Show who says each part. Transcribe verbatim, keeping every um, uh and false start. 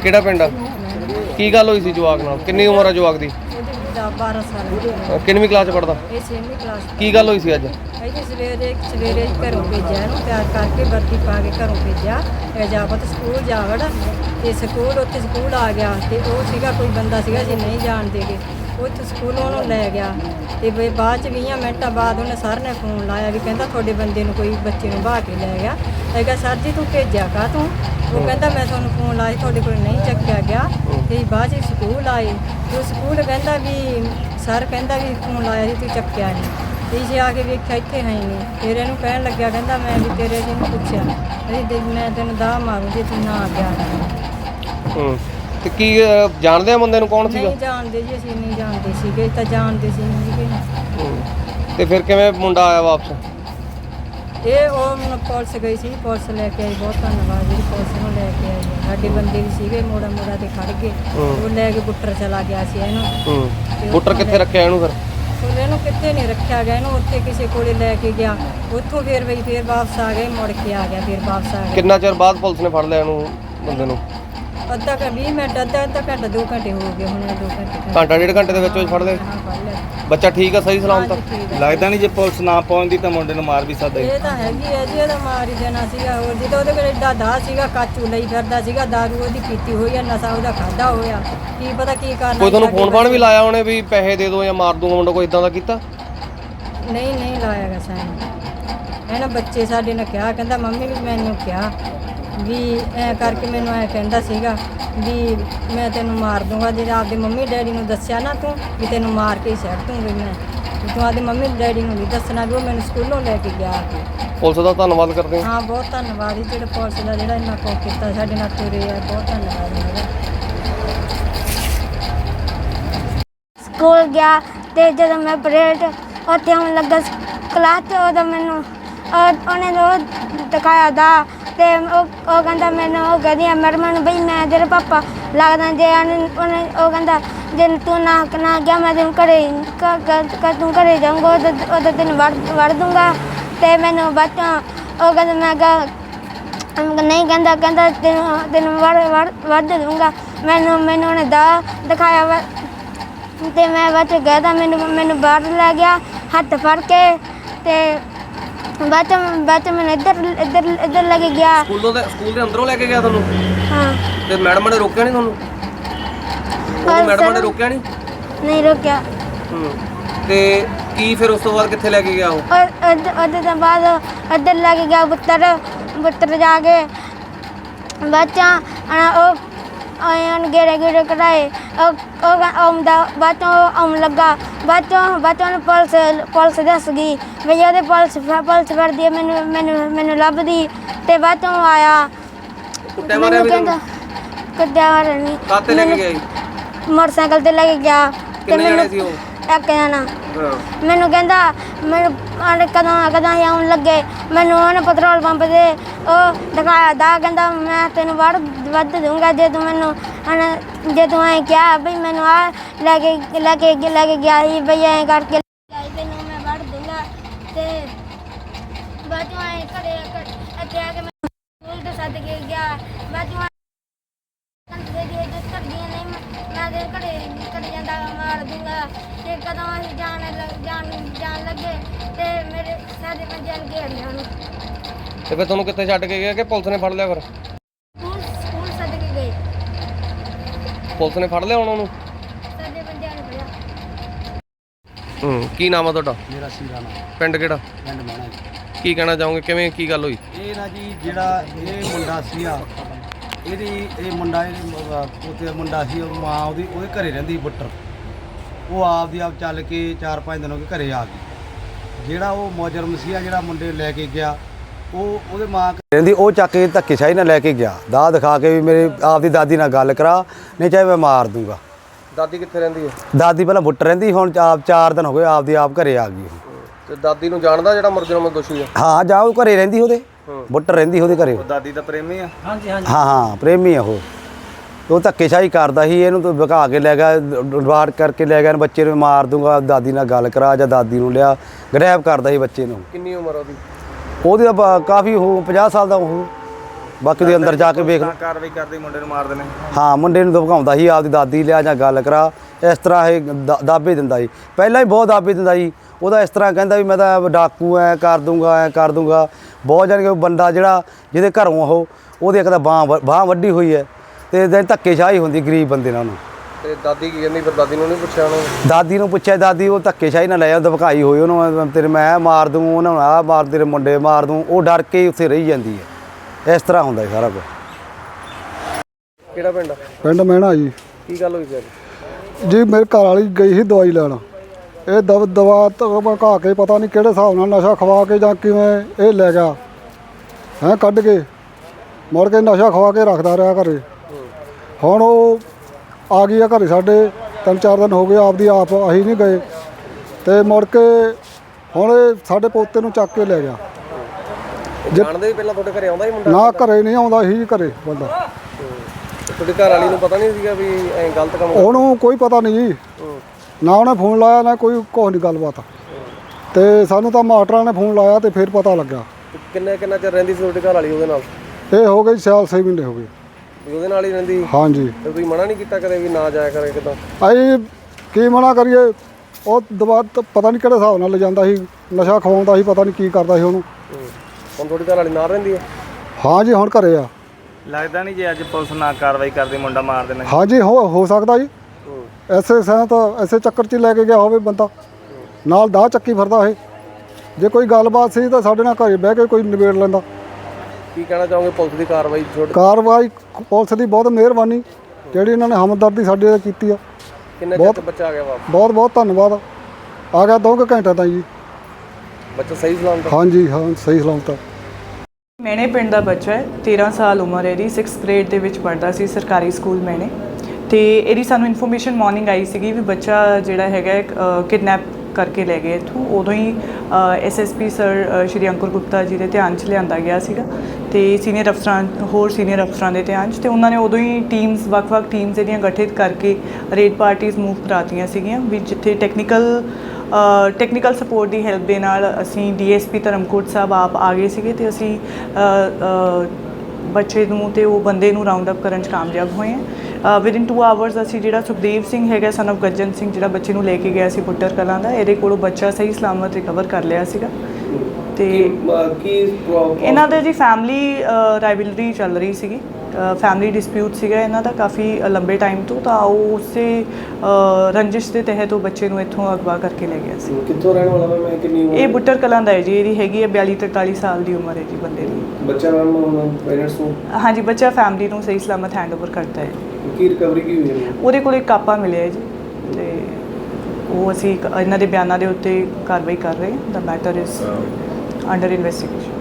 Speaker 1: ਕਿਹੜਾ ਪਿੰਡ ਆ? ਕੀ ਗੱਲ ਹੋਈ ਸੀ ਜਵਾਕ ਨਾਲ? ਕਿੰਨੀ ਉਮਰ ਆ ਜਵਾਕ ਦੀ?
Speaker 2: ਬਾਰਾਂ ਸਾਲ।
Speaker 1: ਕਿੰਨਵੀਂ ਕਲਾਸ 'ਚ ਪੜ੍ਹਦਾ?
Speaker 2: ਇਹ ਛੇਵੀਂ ਕਲਾਸ।
Speaker 1: ਕੀ ਗੱਲ ਹੋਈ ਸੀ ਅੱਜ?
Speaker 2: ਇਹਦੇ ਸਵੇਰੇ ਸਵੇਰੇ ਘਰੋਂ ਭੇਜਿਆ ਇਹਨੂੰ ਤਿਆਰ ਕਰਕੇ ਵਰਦੀ ਪਾ ਕੇ ਘਰੋਂ ਭੇਜਿਆ ਰਜਾਵਤ ਸਕੂਲ ਜਾ ਵੜ ਤੇ ਸਕੂਲ ਉੱਥੇ ਸਕੂਲ ਆ ਗਿਆ ਤੇ ਉਹ ਸੀਗਾ ਕੋਈ ਬੰਦਾ ਸੀਗਾ ਜੀ ਨਹੀਂ ਜਾਣਦੇ ਗੇ ਉੱਥੇ ਸਕੂਲੋਂ ਉਹਨੂੰ ਲੈ ਗਿਆ ਤੇ ਵੀ ਬਾਅਦ 'ਚ ਵੀਹਾਂ ਮਿੰਟਾਂ ਬਾਅਦ ਉਹਨੇ ਸਰ ਨੇ ਫੋਨ ਲਾਇਆ ਵੀ ਕਹਿੰਦਾ ਤੁਹਾਡੇ ਬੰਦੇ ਨੂੰ ਕੋਈ ਬੱਚੇ ਨੂੰ ਬਾਹ ਕੇ ਲੈ ਗਿਆ। ਮੈਂ ਕਿਹਾ ਸਰ ਜੀ ਤੂੰ ਭੇਜਿਆ ਕਾ ਤੂੰ? ਉਹ ਕਹਿੰਦਾ ਮੈਂ ਤੁਹਾਨੂੰ ਫੋਨ ਲਾਇਆ ਤੁਹਾਡੇ ਕੋਲ ਨਹੀਂ ਚੱਕਿਆ ਗਿਆ ਤੇ ਬਾਅਦ 'ਚ ਸਕੂਲ ਆਏ ਤੇ ਸਕੂਲ ਕਹਿੰਦਾ ਵੀ ਸਰ ਕਹਿੰਦਾ ਵੀ ਫੋਨ ਲਾਇਆ ਸੀ ਤੂੰ ਚੱਕਿਆ ਨਹੀਂ ਤੇ ਜੇ ਆ ਕੇ ਵੇਖਿਆ ਇੱਥੇ ਹੈ ਨਹੀਂ। ਫਿਰ ਇਹਨੂੰ ਕਹਿਣ ਲੱਗਿਆ ਕਹਿੰਦਾ ਮੈਂ ਵੀ ਤੇਰੇ ਜੀ ਨੂੰ ਪੁੱਛਿਆ ਅਰੇ ਮੈਂ ਤੈਨੂੰ ਦਾ ਮਾਰੂ ਜੇ ਤੂੰ ਨਾ ਆ ਗਿਆ।
Speaker 1: ਹੂੰ ਤੇ ਕੀ ਜਾਣਦੇ ਆ ਬੰਦੇ ਨੂੰ? ਕੌਣ ਸੀਗਾ?
Speaker 2: ਨਹੀਂ ਜਾਣਦੇ ਜੀ ਅਸੀਂ ਨਹੀਂ ਜਾਣਦੇ ਸੀਗੇ ਤਾਂ ਜਾਣਦੇ ਸੀ ਨਹੀਂ ਸੀਗੇ।
Speaker 1: ਤੇ ਫਿਰ ਕਿਵੇਂ ਮੁੰਡਾ ਆਇਆ ਵਾਪਸ?
Speaker 2: ਇਹ ਉਹ ਪੁਲਿਸ ਗਈ ਸੀ ਪੁਲਿਸ ਲੈ ਕੇ ਆਈ। ਬਹੁਤ ਧੰਨਵਾਦ ਜਿਹੜੀ ਪੁਲਿਸ ਨੂੰ ਲੈ ਕੇ ਆਈ। ਸਾਡੇ ਬੰਦੇ ਵੀ ਸੀਗੇ ਮੋੜਾ ਮੋੜਾ ਤੇ ਖੜ ਗਏ ਉਹ ਲੈ ਕੇ ਬੁੱਟਰ ਚਲਾ ਗਿਆ ਸੀ ਇਹਨੂੰ।
Speaker 1: ਬੁੱਟਰ ਕਿੱਥੇ ਰੱਖਿਆ ਇਹਨੂੰ ਫਿਰ?
Speaker 2: ਉਹਨੇ ਇਹਨੂੰ ਕਿੱਥੇ ਨਹੀਂ ਰੱਖਿਆ ਗਿਆ ਇਹਨੂੰ ਉੱਥੇ ਕਿਸੇ ਕੋਲੇ ਲੈ ਕੇ ਗਿਆ ਉੱਥੋਂ ਫਿਰ ਬਈ ਫਿਰ ਵਾਪਸ ਆ ਗਏ ਮੁੜ ਕੇ ਆ ਗਿਆ ਫਿਰ ਵਾਪਸ ਆ ਗਿਆ।
Speaker 1: ਕਿੰਨਾ ਚਿਰ ਬਾਅਦ ਪੁਲਿਸ ਨੇ ਫੜ ਲਿਆ ਇਹਨੂੰ ਬੰਦੇ ਨੂੰ?
Speaker 2: ਅੱਧਾ ਘੰਟਾ ਵੀਹ ਮਿੰਟ ਅੱਧਾ ਅੱਧਾ ਘੰਟਾ ਦੋ ਘੰਟੇ ਹੋ ਗਏ ਹੁਣ ਦੋ ਘੰਟੇ
Speaker 1: ਘੰਟਾ ਡੇਢ ਘੰਟੇ ਦੇ ਵਿੱਚ ਵਿੱਚ ਫੜ ਲਏ।
Speaker 2: ਹਾਂ ਫੜ ਲਿਆ।
Speaker 1: ਬੱਚਾ ਠੀਕ ਆ ਸਹੀ ਸਲਾਮਤ?
Speaker 3: ਲੱਗਦਾ ਨਹੀਂ ਜੇ ਪੁਲਿਸ ਨਾ ਪਹੁੰਚਦੀ ਤਾਂ ਮੁੰਡੇ ਨੂੰ ਮਾਰ ਵੀ ਸਕਦਾ।
Speaker 2: ਇਹ ਤਾਂ ਹੈਗੀ ਹੈ ਜੀ ਇਹਦਾ ਮਾਰ ਹੀ ਦੇਣਾ ਸੀਗਾ। ਹੋਰ ਜਦੋਂ ਉਹਦੇ ਕੋਲ ਏਡਾ ਦਾ ਸੀਗਾ ਕਾਚੂ ਲਈ ਫਿਰਦਾ ਸੀਗਾ ਦਾਰੂ ਉਹਦੀ ਪੀਤੀ ਹੋਈ ਆ ਨਸ਼ਾ ਉਹਦਾ ਖਾਦਾ ਹੋਇਆ ਕੀ ਪਤਾ ਕੀ ਕਰਨਾ।
Speaker 1: ਕੋਈ ਤੁਹਾਨੂੰ ਫੋਨ ਫਾਨ ਵੀ ਲਾਇਆ ਉਹਨੇ ਵੀ ਪੈਸੇ ਦੇ ਦਿਓ ਜਾਂ ਮਾਰ ਦੂੰਗਾ ਮੁੰਡਾ? ਕੋਈ ਇਦਾਂ ਦਾ ਕੀਤਾ?
Speaker 2: ਨਹੀਂ ਨਹੀਂ ਲਾਇਆ ਗਾ ਸਾਨੂੰ। ਇਹਨਾਂ ਬੱਚੇ ਸਾਡੇ ਨੇ ਕਿਹਾ ਕਹਿੰਦਾ ਮੰਮੀ ਵੀ ਮੈਨੂੰ ਕਿਹਾ ਵੀ ਐ ਕਰਕੇ ਮੈਨੂੰ ਐ ਕਹਿੰਦਾ ਸੀਗਾ ਵੀ ਮੈਂ ਤੈਨੂੰ ਮਾਰ ਦੂੰਗਾ ਜੇ ਆਪਦੇ ਮੰਮੀ ਡੈਡੀ ਨੂੰ ਦੱਸਿਆ ਨਾ ਤੂੰ ਵੀ ਤੈਨੂੰ ਮਾਰ ਕੇ ਹੀ ਛੱਡ ਦੂੰਗੀ ਮੈਂ। ਤੂੰ ਆਪਦੇ ਮੰਮੀ ਡੈਡੀ ਨੂੰ ਨਹੀਂ ਦੱਸਣਾ ਵੀ ਉਹ ਮੈਨੂੰ ਸਕੂਲੋਂ ਲੈ ਕੇ ਗਿਆ।
Speaker 1: ਪੁਲਿਸ ਦਾ ਧੰਨਵਾਦ ਕਰਦੇ ਹਾਂ।
Speaker 2: ਹਾਂ ਬਹੁਤ ਧੰਨਵਾਦ ਜੀ ਜਿਹੜਾ ਪੁਲਿਸ ਦਾ ਜਿਹੜਾ ਇੰਨਾ ਕੁਝ ਕੀਤਾ ਸਾਡੇ ਨਾਲ ਤੁਰੇ ਆ ਬਹੁਤ ਧੰਨਵਾਦ ਇਹਦਾ।
Speaker 4: ਸਕੂਲ ਗਿਆ ਤੇ ਜਦੋਂ ਮੈਂ ਪਰੇਡ ਉੱਥੇ ਆਉਣ ਲੱਗਾ ਕਲਾਸ 'ਚ ਉਦੋਂ ਮੈਨੂੰ ਉਹਨੇ ਉਹ ਦਿਖਾਇਆ ਦਾ ਤੇ ਉਹ ਉਹ ਕਹਿੰਦਾ ਮੈਨੂੰ ਉਹ ਕਹਿੰਦੀ ਮੈਡਮ ਨੂੰ ਬਈ ਮੈਂ ਤੇਰੇ ਪਾਪਾ ਲੱਗਦਾ ਜੇ ਉਹਨੇ ਉਹ ਕਹਿੰਦਾ ਜੇ ਤੂੰ ਨਾ ਨਾ ਗਿਆ ਮੈਂ ਤੈਨੂੰ ਘਰੇ ਤੂੰ ਘਰੇ ਜਾਊਂਗਾ ਉਦੋਂ ਉਦੋਂ ਤੈਨੂੰ ਵੜ ਵੜ ਦੂੰਗਾ। ਤੇ ਮੈਨੂੰ ਬਾਅਦ ਚੋਂ ਉਹ ਕਹਿੰਦਾ ਮੈਂ ਕਿਹਾ ਨਹੀਂ ਕਹਿੰਦਾ ਕਹਿੰਦਾ ਤੈਨੂੰ ਤੈਨੂੰ ਵੜ ਵੜ ਵੜ ਦੂੰਗਾ। ਮੈਨੂੰ ਮੈਨੂੰ ਉਹਨੇ ਦਾ ਦਿਖਾਇਆ ਵਾ ਤੇ ਮੈਂ ਬਾਅਦ 'ਚ ਗਿਆ ਤਾਂ ਮੈਨੂੰ ਮੈਨੂੰ ਬਾਹਰ ਲੈ ਗਿਆ ਹੱਥ ਫੜ ਕੇ ਤੇ ਬਾਅਦ 'ਚ ਬਾਅਦ 'ਚ ਮੈਨੂੰ ਇੱਧਰ ਇੱਧਰ ਇੱਧਰ ਲੈ ਕੇ ਗਿਆ।
Speaker 1: ਸਕੂਲੋਂ ਦੇ ਸਕੂਲ ਦੇ ਅੰਦਰੋਂ ਲੈ ਕੇ ਗਿਆ ਤੁਹਾਨੂੰ?
Speaker 4: ਹਾਂ।
Speaker 1: ਤੇ ਮੈਡਮ ਨੇ ਰੋਕਿਆ ਨਹੀਂ ਤੁਹਾਨੂੰ? ਉਹ ਮੈਡਮ ਨੇ ਰੋਕਿਆ ਨਹੀਂ?
Speaker 4: ਨਹੀਂ ਰੋਕਿਆ।
Speaker 1: ਹੂੰ ਤੇ ਕੀ ਫਿਰ ਉਸ ਤੋਂ ਬਾਅਦ ਕਿੱਥੇ ਲੈ ਕੇ ਗਿਆ ਉਹ?
Speaker 4: ਉਹਦੇ ਤੋਂ ਬਾਅਦ ਇੱਧਰ ਲੈ ਕੇ ਗਿਆ ਬੁੱਤਰ ਬੁੱਤਰ ਜਾ ਕੇ ਬਾਅਦ 'ਚ ਉਹ ਆਉਣ ਗੇੜੇ ਗੇੜੇ ਕਰਾਏ ਉਹ ਉਹ ਆਉਂਦਾ ਬਾਅਦ 'ਚੋਂ ਆਉਣ ਲੱਗਾ ਬਾਅਦ 'ਚੋਂ ਬਾਅਦ 'ਚੋਂ ਪੁਲਿਸ ਪੁਲਿਸ ਦੱਸ ਗਈ ਵੀ ਉਹਦੇ ਪੁਲਿਸ ਪੁਲਿਸ ਫੜਦੀ ਹੈ ਮੈਨੂੰ ਮੈਨੂੰ ਮੈਨੂੰ ਲੱਭਦੀ ਤੇ ਬਾਅਦ 'ਚੋਂ ਆਇਆ।
Speaker 1: ਕੁੱਟਿਆ ਮਾਰਿਆ ਵੀ ਤੁਹਾਨੂੰ?
Speaker 4: ਕੁੱਟਿਆ ਮਾਰਿਆ ਨਹੀਂ।
Speaker 1: ਕਾਹਤੇ ਲੈ ਕੇ ਗਿਆ ਜੀ?
Speaker 4: ਮੋਟਰਸਾਈਕਲ ਤੇ ਲੈ ਕੇ ਗਿਆ।
Speaker 1: ਕਿੰਨੇ ਜਣੇ ਸੀ ਉਹ?
Speaker 4: ਇੱਕ ਜਣਾ।
Speaker 1: ਹਾਂ
Speaker 4: ਮੈਨੂੰ ਕਹਿੰਦਾ ਮੈਨੂੰ ਕਦੋਂ ਕਦੋਂ ਆਉਣ ਲੱਗੇ ਮੈਨੂੰ ਉਹਨੇ ਪੈਟਰੋਲ ਪੰਪ ਤੇ ਉਹ ਦਿਖਾਇਆ ਦਾ ਕਹਿੰਦਾ ਮੈਂ ਤੈਨੂੰ ਵੜ ਵੱਧ ਦੂੰਗਾ ਜੇ ਤੂੰ ਮੈਨੂੰ ਜੇ ਤੂੰ ਐਂ ਕਿਹਾ ਬਈ ਮੈਨੂੰ ਆ ਲੈ ਕੇ ਲੈ ਕੇ ਲੈ ਕੇ ਗਿਆ ਸੀ ਬਈ ਐਂ ਕਰਕੇ ਤੈਨੂੰ ਮੈਂ ਵੜ ਦੂੰਗਾ। ਤੇ ਬਾਅਦ ਚੋਂ ਐਂ ਘਰੇ ਇੱਥੇ ਆ ਕੇ ਮੈਂ ਸਕੂਲ ਤੋਂ ਸੱਦ ਕੇ ਗਿਆ ਬਾਅਦ ਚੋਂ ਮੈਂ ਦੇ ਘਰੇ ਘਰੇ ਜਾਂਦਾ ਮਾਰ ਦੂੰਗਾ। ਤੇ ਕਦੋਂ ਅਸੀਂ ਜਾਣ ਜਾਣ ਜਾਣ ਲੱਗੇ ਤੇ ਮੇਰੇ ਸਾਡੇ ਪੰਜਾਂ ਨੂੰ ਘੇਰ ਲਿਆ ਉਹਨੂੰ।
Speaker 1: ਤੇ ਫਿਰ ਤੁਹਾਨੂੰ ਕਿੱਥੇ ਛੱਡ ਕੇ ਗਿਆ ਕਿ ਪੁਲਿਸ ਨੇ ਫੜ ਲਿਆ? ਫਿਰ
Speaker 4: ਸਕੂਲ ਸਕੂਲ ਸੱਦ ਕੇ ਗਏ।
Speaker 1: ਪੁਲਿਸ ਨੇ ਫੜ ਲਿਆ ਉਹਨਾਂ ਨੂੰ?
Speaker 4: ਸਾਡੇ ਪੰਜਾਂ ਨੂੰ ਫੜਿਆ।
Speaker 1: ਹੂੰ ਕੀ ਨਾਮ ਆ ਤੁਹਾਡਾ?
Speaker 3: ਮੇਰਾ ਸੀਰਾ ਨਾ
Speaker 1: ਪਿੰਡ ਕਿਹੜਾ?
Speaker 3: ਪਿੰਡ ਮਾਣਾ ਜੀ।
Speaker 1: ਕੀ ਕਹਿਣਾ ਚਾਹੋਗੇ ਕਿਵੇਂ ਕੀ ਗੱਲ ਹੋਈ?
Speaker 3: ਇਹ ਨਾ ਜੀ ਜਿਹੜਾ ਇਹ ਮੁੰਡਾ ਸੀਗਾ ਇਹਦੀ ਇਹ ਮੁੰਡਾ ਇਹ ਪੋਤੇ ਮੁੰਡਾ ਸੀ ਉਹ ਮਾਂ ਉਹਦੀ ਉਹਦੇ ਘਰੇ ਰਹਿੰਦੀ ਬੁੱਟਰ। ਉਹ ਆਪ ਦੀ ਆਪ ਚੱਲ ਕੇ ਚਾਰ ਪੰਜ ਦਿਨ ਹੋ ਗਏ ਘਰੇ ਆ ਗਈ। ਜਿਹੜਾ ਉਹ ਮੁਜਰਮ ਸੀਗਾ ਜਿਹੜਾ ਮੁੰਡੇ ਲੈ ਕੇ ਗਿਆ ਉਹ ਉਹਦੇ ਮਾਂ ਰਹਿੰਦੀ ਉਹ ਚੱਕ ਕੇ ਧੱਕੇਸ਼ਾਹੀ ਨਾਲ ਲੈ ਕੇ ਗਿਆ ਦਾ ਦਿਖਾ ਕੇ ਵੀ ਮੇਰੇ ਆਪ ਦੀ ਦਾਦੀ ਨਾਲ ਗੱਲ ਕਰਾ ਨਹੀਂ ਚਾਹੇ ਮੈਂ ਮਾਰ ਦੂੰਗਾ।
Speaker 1: ਦਾਦੀ ਕਿੱਥੇ ਰਹਿੰਦੀ ਹੈ?
Speaker 3: ਦਾਦੀ ਪਹਿਲਾਂ ਬੁੱਟਰ ਰਹਿੰਦੀ ਹੁਣ ਆਪ ਚਾਰ ਦਿਨ ਹੋ ਗਏ ਆਪ ਦੀ ਆਪ ਘਰੇ ਆ ਗਈ।
Speaker 1: ਤੇ ਦਾਦੀ ਨੂੰ ਜਾਣਦਾ ਜਿਹੜਾ ਮੁਰਜਮ ਦੋਸ਼ੀ ਆ?
Speaker 3: ਹਾਂ ਜਾ ਉਹ ਘਰੇ ਰਹਿੰਦੀ ਉਹਦੇ ਬੁੱਟਰ ਰਹਿੰਦੀ ਉਹਦੇ ਘਰੇ।
Speaker 1: ਦਾਦੀ ਦਾ ਪ੍ਰੇਮੀ ਆ?
Speaker 2: ਹਾਂਜੀ ਹਾਂਜੀ
Speaker 3: ਹਾਂ ਹਾਂ ਪ੍ਰੇਮੀ ਆ ਉਹ। ਉਹ ਧੱਕੇਸ਼ਾਹੀ ਕਰਦਾ ਸੀ ਇਹਨੂੰ ਤਾਂ ਵਕਾ ਕੇ ਲੈ ਗਿਆ ਡਿਵਾਰਟ ਕਰਕੇ ਲੈ ਗਿਆ ਬੱਚੇ ਨੂੰ ਮਾਰ ਦੂੰਗਾ ਦਾਦੀ ਨਾਲ ਗੱਲ ਕਰਾ ਜਾਂ ਦਾਦੀ ਨੂੰ ਲਿਆ ਗਰੈਬ ਕਰਦਾ ਸੀ ਬੱਚੇ ਨੂੰ।
Speaker 1: ਕਿੰਨੀ ਉਮਰ ਉਹਦੀ?
Speaker 3: ਉਹਦੀ ਤਾਂ ਕਾਫੀ ਉਹ ਪੰਜਾਹ ਸਾਲ ਦਾ ਉਹ ਬਾਕੀ ਦੇ ਅੰਦਰ ਜਾ ਕੇ ਵੇਖ ਲਓ।
Speaker 5: ਕਾਰਵਾਈ ਕਰਦੇ ਮੁੰਡੇ ਨੂੰ ਮਾਰਦੇ ਨੇ।
Speaker 3: ਹਾਂ ਮੁੰਡੇ ਨੂੰ ਧਮਕਾਉਂਦਾ ਸੀ ਆਪਦੀ ਦਾਦੀ ਲਿਆ ਜਾਂ ਗੱਲ ਕਰਾ, ਇਸ ਤਰ੍ਹਾਂ ਇਹ ਦਾ- ਦਾਅਵੇ ਦਿੰਦਾ ਸੀ। ਪਹਿਲਾਂ ਹੀ ਬਹੁਤ ਦਾਅਵੇ ਦਿੰਦਾ ਸੀ। ਉਹਦਾ ਇਸ ਤਰ੍ਹਾਂ ਕਹਿੰਦਾ ਵੀ ਮੈਂ ਤਾਂ ਡਾਕੂ ਐ ਕਰ ਦੂੰਗਾ ਐ ਕਰ ਦੂੰਗਾ ਬਹੁਤ। ਜਾਣੀ ਕਿ ਬੰਦਾ ਜਿਹੜਾ ਜਿਹਦੇ ਘਰੋਂ ਉਹ ਉਹਦੀ ਇੱਕ ਤਾਂ ਬਾਂਹ ਬਾਂਹ ਵੱਢੀ ਹੋਈ ਹੈ ਤੇ ਦਿਨ ਧੱਕੇਸ਼ਾਹੀ ਹੁੰਦੀ ਗਰੀਬ ਬੰਦੇ ਨਾਲ ਉਹਨੂੰ।
Speaker 1: ਤੇ ਦਾਦੀ ਕੀ ਕਹਿੰਦੀ ਫਿਰ? ਦਾਦੀ ਨੂੰ ਨਹੀਂ ਪੁੱਛਿਆ ਉਹਨਾਂ ਨੇ?
Speaker 3: ਦਾਦੀ ਨੂੰ ਪੁੱਛਿਆ, ਦਾਦੀ ਉਹ ਧੱਕੇਸ਼ਾਹੀ ਨਾਲ ਲੈ ਆ, ਧਮਕਾਈ ਹੋਈ ਉਹਨੂੰ, ਤੇਰੇ ਮੈਂ ਮਾਰ ਦੂੰ, ਉਹਨਾਂ ਨੂੰ ਆਹ ਮਾਰ, ਤੇਰੇ ਮੁੰਡੇ ਮਾਰ ਦੂੰ। ਉਹ ਡਰ ਕੇ ਹੀ ਉੱਥੇ ਰਹੀ ਜਾਂਦੀ ਹੈ। ਇਸ ਤਰ੍ਹਾਂ ਹੁੰਦਾ ਸਾਰਾ ਕੁਝ।
Speaker 1: ਕਿਹੜਾ ਪਿੰਡ ਆ?
Speaker 6: ਪਿੰਡ ਮਹਿਣਾ ਜੀ।
Speaker 1: ਕੀ ਗੱਲ ਹੋਈ ਫਿਰ?
Speaker 6: ਜੀ ਮੇਰੇ ਘਰ ਵਾਲੀ ਗਈ ਸੀ ਦਵਾਈ ਲੈਣ। ਇਹ ਦਵ ਦਵਾ ਧਮਕਾ ਕੇ ਪਤਾ ਨਹੀਂ ਕਿਹੜੇ ਹਿਸਾਬ ਨਾਲ ਨਸ਼ਾ ਖਵਾ ਕੇ ਜਾਂ ਕਿਵੇਂ ਇਹ ਲੈ ਗਿਆ ਹੈਂ ਕੱਢ ਕੇ, ਮੁੜ ਕੇ ਨਸ਼ਾ ਖਵਾ ਕੇ ਰੱਖਦਾ ਰਿਹਾ ਘਰੇ। ਹੁਣ ਉਹ ਆ ਗਈ ਆ ਘਰੇ ਸਾਡੇ, ਤਿੰਨ ਚਾਰ ਦਿਨ ਹੋ ਗਏ ਆਪਦੀ ਆਪ, ਅਸੀਂ ਨਹੀਂ ਗਏ। ਤੇ ਮੁੜ ਕੇ ਹੁਣ ਇਹ ਸਾਡੇ ਪੋਤੇ ਨੂੰ ਚੱਕ ਕੇ ਲੈ ਗਿਆ।
Speaker 1: ਜਾਣਦੇ ਵੀ ਪਹਿਲਾਂ ਤੁਹਾਡੇ ਘਰੇ ਆਉਂਦਾ ਸੀ ਮੁੰਡਾ?
Speaker 6: ਨਾ ਘਰੇ ਨਹੀਂ ਆਉਂਦਾ ਸੀ ਘਰੇ ਬੰਦਾ।
Speaker 1: ਤੁਹਾਡੀ ਘਰ ਵਾਲੀ ਨੂੰ ਪਤਾ ਨਹੀਂ ਸੀਗਾ ਵੀ ਐਂ ਗਲਤ ਕੰਮ ਕਰ-
Speaker 6: ਉਹਨੂੰ ਕੋਈ ਪਤਾ ਨਹੀਂ ਜੀ, ਨਾ ਉਹਨੇ ਫੋਨ ਲਾਇਆ ਨਾ ਕੋਈ ਕੁਛ ਨਹੀਂ ਗੱਲਬਾਤ। ਤੇ ਸਾਨੂੰ ਤਾਂ ਮਾਸਟਰਾਂ ਨੇ ਫੋਨ ਲਾਇਆ ਤੇ ਫਿਰ ਪਤਾ ਲੱਗਾ।
Speaker 1: ਕਿੰਨੇ ਕਿੰਨਾ ਚਿਰ ਰਹਿੰਦੀ ਸੀ ਤੁਹਾਡੀ ਘਰ ਵਾਲੀ ਉਹਦੇ ਨਾਲ?
Speaker 6: ਇਹ ਹੋ ਗਈ ਸਾਲ ਛੇ ਮਹੀਨੇ ਹੋ ਗਏ।
Speaker 1: ਵੀ ਉਹਦੇ ਨਾਲ ਹੀ ਰਹਿੰਦੀ?
Speaker 6: ਹਾਂਜੀ।
Speaker 1: ਤੇ ਤੁਸੀਂ ਮਨਾ ਨਹੀਂ ਕੀਤਾ ਕਦੇ ਵੀ ਨਾ ਜਾਇਆ ਕਰੇ ਕਿਦਾਂ?
Speaker 6: ਅਸੀਂ ਕੀ ਮਨਾ ਕਰੀਏ, ਉਹ ਦਵਾ ਪਤਾ ਨਹੀਂ ਕਿਹੜੇ ਹਿਸਾਬ ਨਾਲ ਲੈ ਜਾਂਦਾ ਸੀ, ਨਸ਼ਾ ਖਵਾਉਂਦਾ ਸੀ, ਪਤਾ ਨਹੀਂ ਕੀ ਕਰਦਾ ਸੀ ਉਹਨੂੰ।
Speaker 1: ਹੁਣ ਤੁਹਾਡੀ ਘਰ ਵਾਲੀ ਨਾਲ ਰਹਿੰਦੀ ਹੈ?
Speaker 6: ਹਾਂਜੀ ਹੁਣ ਘਰੇ ਆ।
Speaker 5: ਲੱਗਦਾ ਨਹੀਂ ਜੇ ਅੱਜ ਪੁਲਿਸ ਨਾ ਕਾਰਵਾਈ ਕਰਦੀ ਮੁੰਡਾ ਮਾਰ ਦੇਣਾ।
Speaker 6: ਹਾਂਜੀ ਹੋ ਹੋ ਸਕਦਾ ਜੀ। ਐਸੇ ਸਾਂ ਤਾਂ ਐਸੇ ਚੱਕਰ 'ਚ ਹੀ ਲੈ ਕੇ ਗਿਆ ਹੋਵੇ ਬੰਦਾ, ਨਾਲ ਦਾਹ ਚੱਕੀ ਫਿਰਦਾ ਇਹ। ਜੇ ਕੋਈ ਗੱਲਬਾਤ ਸੀ ਤਾਂ ਸਾਡੇ ਨਾਲ ਘਰੇ ਬਹਿ ਕੇ ਕੋਈ ਨਿਬੇੜ ਲੈਂਦਾ।
Speaker 1: ਕੀ ਕਹਿਣਾ ਚਾਹੋਗੇ ਪੁਲਿਸ ਦੀ ਕਾਰਵਾਈ? ਛੋੜ
Speaker 6: ਕਾਰਵਾਈ ਪੁਲਿਸ ਦੀ ਬਹੁਤ ਮਿਹਰਬਾਨੀ ਜਿਹੜੀ ਇਹਨਾਂ ਨੇ ਹਮਦਰਦੀ ਸਾਡੇ ਨਾਲ ਕੀਤੀ ਆ।
Speaker 1: ਕਿੰਨੇ ਚਿਰ 'ਚ ਬੱਚਾ ਆ ਗਿਆ ਵਾਪਸ?
Speaker 6: ਬਹੁਤ ਬਹੁਤ ਧੰਨਵਾਦ। ਆ ਗਿਆ ਦੋ ਕੁ ਘੰਟੇ ਤਾਂ ਜੀ।
Speaker 1: ਬੱਚਾ ਸਹੀ ਸਲਾਮਤ?
Speaker 6: ਹਾਂਜੀ ਹਾਂ ਸਹੀ ਸਲਾਮਤ ਆ।
Speaker 7: ਮੈਨੇ ਪਿੰਡ ਦਾ ਬੱਚਾ ਹੈ, ਤੇਰ੍ਹਾਂ ਸਾਲ ਉਮਰ ਹੈ ਇਹਦੀ, ਸਿਕਸਥ ਗ੍ਰੇਡ ਦੇ ਵਿੱਚ ਪੜ੍ਹਦਾ ਸੀ ਸਰਕਾਰੀ ਸਕੂਲ ਮੈਨੇ। ਤੇ ਇਹਦੀ ਸਾਨੂੰ ਇਨਫੋਰਮੇਸ਼ਨ ਮਾਰਨਿੰਗ ਆਈ ਸੀਗੀ ਵੀ ਬੱਚਾ ਜਿਹੜਾ ਹੈਗਾ ਕਿਡਨੈਪ ਕਰਕੇ ਲੈ ਗਏ ਇੱਥੋਂ। ਉਦੋਂ ਹੀ ਐਸਐਸਪੀ ਸਰ ਸ਼੍ਰੀ ਅੰਕੁਰ ਗੁਪਤਾ ਜੀ ਦੇ ਧਿਆਨ 'ਚ ਲਿਆਂਦਾ ਗਿਆ ਸੀਗਾ ਤੇ ਸੀਨੀਅਰ ਅਫਸਰਾਂ ਹੋਰ ਸੀਨੀਅਰ ਅਫਸਰਾਂ ਦੇ ਧਿਆਨ 'ਚ। ਤੇ ਉਹਨਾਂ ਨੇ ਉਦੋਂ ਹੀ ਟੀਮਸ ਵੱਖ-ਵੱਖ ਟੀਮਸ ਇਹਦੀਆਂ ਗਠਿਤ ਕਰਕੇ ਰੇਡ ਪਾਰਟੀਆਂ ਮੂਵ ਕਰਾਤੀਆਂ ਸੀਗੀਆਂ ਵੀ ਜਿੱਥੇ ਟੈਕਨੀਕਲ ਟੈਕਨੀਕਲ ਸਪੋਰਟ ਦੀ ਹੈਲਪ ਦੇ ਨਾਲ ਅਸੀਂ ਡੀਐਸਪੀ ਧਰਮਕੋਟ ਸਾਹਿਬ ਆਪ ਆ ਗਏ ਸੀਗੇ ਤੇ ਅਸੀਂ ਬੱਚੇ ਨੂੰ ਤੇ ਉਹ ਬੰਦੇ ਨੂੰ ਰਾਉਂਡ ਅਪ ਕਰਨ 'ਚ ਕਾਮਯਾਬ ਹੋਏ ਹਾਂ। ਵਿਦਿਨ ਟੂ ਆਵਰਸ ਅਸੀਂ ਜਿਹੜਾ ਸੁਖਦੇਵ ਸਿੰਘ ਹੈਗਾ ਸਨ ਆਫ ਗੱਜਨ ਸਿੰਘ, ਜਿਹੜਾ ਬੱਚੇ ਨੂੰ ਲੈ ਕੇ ਗਿਆ ਸੀ ਬੁੱਟਰ ਕਲਾਂ ਦਾ, ਇਹਦੇ ਕੋਲੋਂ ਬੱਚਾ ਸਹੀ ਸਲਾਮਤ ਰਿਕਵਰ ਕਰ ਲਿਆ ਸੀਗਾ। ਤੇ
Speaker 1: ਕੀ
Speaker 7: ਇਹਨਾਂ ਦੇ ਜੀ ਫੈਮਿਲੀ ਰਾਈਵਲਰੀ ਚੱਲ ਰਹੀ ਸੀਗੀ, ਫੈਮਿਲੀ ਡਿਸਪਿਊਟ ਸੀਗਾ ਇਹਨਾਂ ਦਾ ਕਾਫੀ ਲੰਬੇ ਟਾਈਮ ਤੋਂ। ਤਾਂ ਉਹ ਉਸੇ ਰੰਜਿਸ਼ ਦੇ ਤਹਿਤ ਉਹ ਬੱਚੇ ਨੂੰ ਇੱਥੋਂ ਅਗਵਾ ਕਰਕੇ ਲੈ ਗਿਆ ਸੀ।
Speaker 1: ਕਿੱਥੋਂ ਰਹਿਣ ਵਾਲਾ ਵਾ? ਮੈਂ ਕਿੰਨੀ ਉਮਰ?
Speaker 7: ਇਹ ਬੁੱਟਰ ਕਲਾਂ ਦਾ ਹੈ ਜੀ, ਇਹਦੀ ਹੈਗੀ ਹੈ ਬਿਆਲੀ ਤਰਤਾਲੀ ਸਾਲ ਦੀ ਉਮਰ ਹੈ ਜੀ ਬੰਦੇ ਦੀ।
Speaker 1: ਬੱਚਾ ਮੈਮ ਪੇਰੈਂਟਸ ਨੂੰ?
Speaker 7: ਹਾਂਜੀ, ਬੱਚਾ ਫੈਮਿਲੀ ਨੂੰ ਸਹੀ ਸਲਾਮਤ ਹੈਂਡਓਵਰ ਕਰਦਾ ਹੈ।
Speaker 1: ਕੀ ਰਿਕਵਰੀ ਕੀ ਹੋਈ ਹੈ?
Speaker 7: ਉਹਦੇ ਕੋਲ ਇੱਕ ਕਾਪਾ ਮਿਲਿਆ ਹੈ ਜੀ ਤੇ ਉਹ ਅਸੀਂ ਇਹਨਾਂ ਦੇ ਬਿਆਨਾਂ ਦੇ ਉੱਤੇ ਕਾਰਵਾਈ ਕਰ ਰਹੇ ਹਾਂ। ਦਾ ਮੈਟਰ ਇਜ਼ ਅੰਡਰ ਇਨਵੈਸਟੀਗੇਸ਼ਨ।